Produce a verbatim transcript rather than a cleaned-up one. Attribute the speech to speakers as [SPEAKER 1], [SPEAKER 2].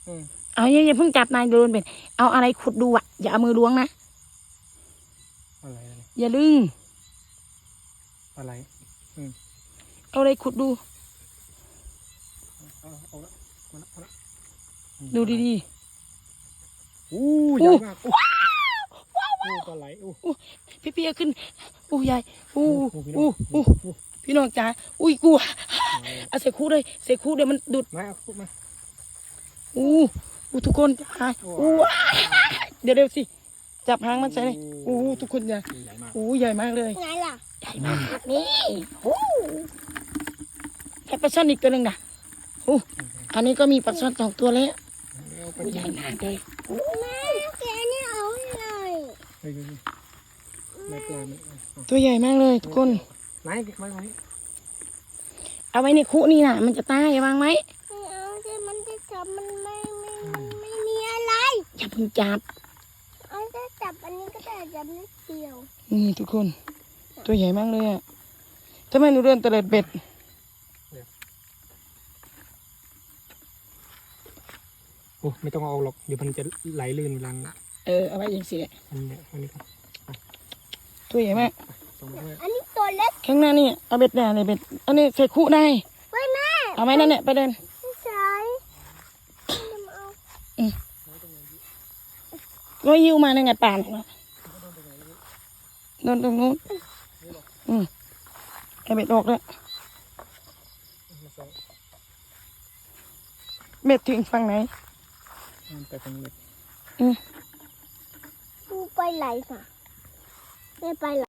[SPEAKER 1] เอาอย่าอย่าเพิ่งจับนายโดนเป็นเอาอะไรขุดดูอ่ะอย่าเอามือล้วงนะ
[SPEAKER 2] อะไร
[SPEAKER 1] อย่าลึง
[SPEAKER 2] อะไร
[SPEAKER 1] เอาอะไรขุดดูดูดี
[SPEAKER 2] ๆอู้ใหญ่มากอู้ปลาไหลอู้
[SPEAKER 1] พี่พี่ขึ้นอู้ใหญ่อู้อู้อู้พี่น้องจ๋าอุ้ยกลัวเอาใส่คู่เลยใส่คู่เดี๋ยวมันดุด
[SPEAKER 2] มาเอามา
[SPEAKER 1] อู้อู้ทุกคนหายอู้เดี๋ยวเดี๋ยวสิจับหางมันใส่เลยอู้ทุกคนใหญ่อู้ใหญ่มากเลย
[SPEAKER 3] ไงล่ะ
[SPEAKER 1] ใหญ่มากนี่โอ้แค่ปลาช่อนอีกตัวหนึ่งนะโอ้อันนี้ก็มีปลาช่อนสองตัวแล้วใหญ่มากเลย
[SPEAKER 3] แม่แกนี่เอาเลย
[SPEAKER 2] ไม่ปลาไม่
[SPEAKER 1] ตัวใหญ่มากเลยทุกคน
[SPEAKER 2] ไหนไม่ไหว
[SPEAKER 1] เอาไว้ในคุนี่นะมันจะตายวางไหม
[SPEAKER 3] ไม่เอาจะมันจะจับมันไม่ไม่มันไม่มีอะไร
[SPEAKER 1] อย่าเพิ่งจับ
[SPEAKER 3] เอาจะจับอันนี้ก็ได้จับนิดเดียว
[SPEAKER 1] นี่ทุกคนตัวใหญ่มากเลยอ่ะทำไมหนูเดินตะเลิดเบ็ด
[SPEAKER 2] โอ้ไม่ต้องเอาหรอกเดี๋ยวมันจะไหลลื่นเวลา
[SPEAKER 1] เออเอาไว้อย่างสิแหละ
[SPEAKER 2] อันนี้อันนี้ครับ
[SPEAKER 1] ตัวใหญ่มาก
[SPEAKER 3] อันนี้ตัวเล็ก
[SPEAKER 1] ข้างหน้านี่เอาเบ็ดแน่เลยเบ็ดอันนี้ใส่คุได้
[SPEAKER 3] ไว้แม่
[SPEAKER 1] เอาไว้นั่นแหละไปเดิน
[SPEAKER 3] ใช่
[SPEAKER 1] อืมก็ยิ้วมาในไงป่านเนาะโดนตรงนู้นอืมไอเบ็ดออกแล้วเบ็ดถึงฝั่งไหน
[SPEAKER 2] ไปตรงนี้
[SPEAKER 1] อืม
[SPEAKER 3] กูไปไหลค่ะไม่ไปไหล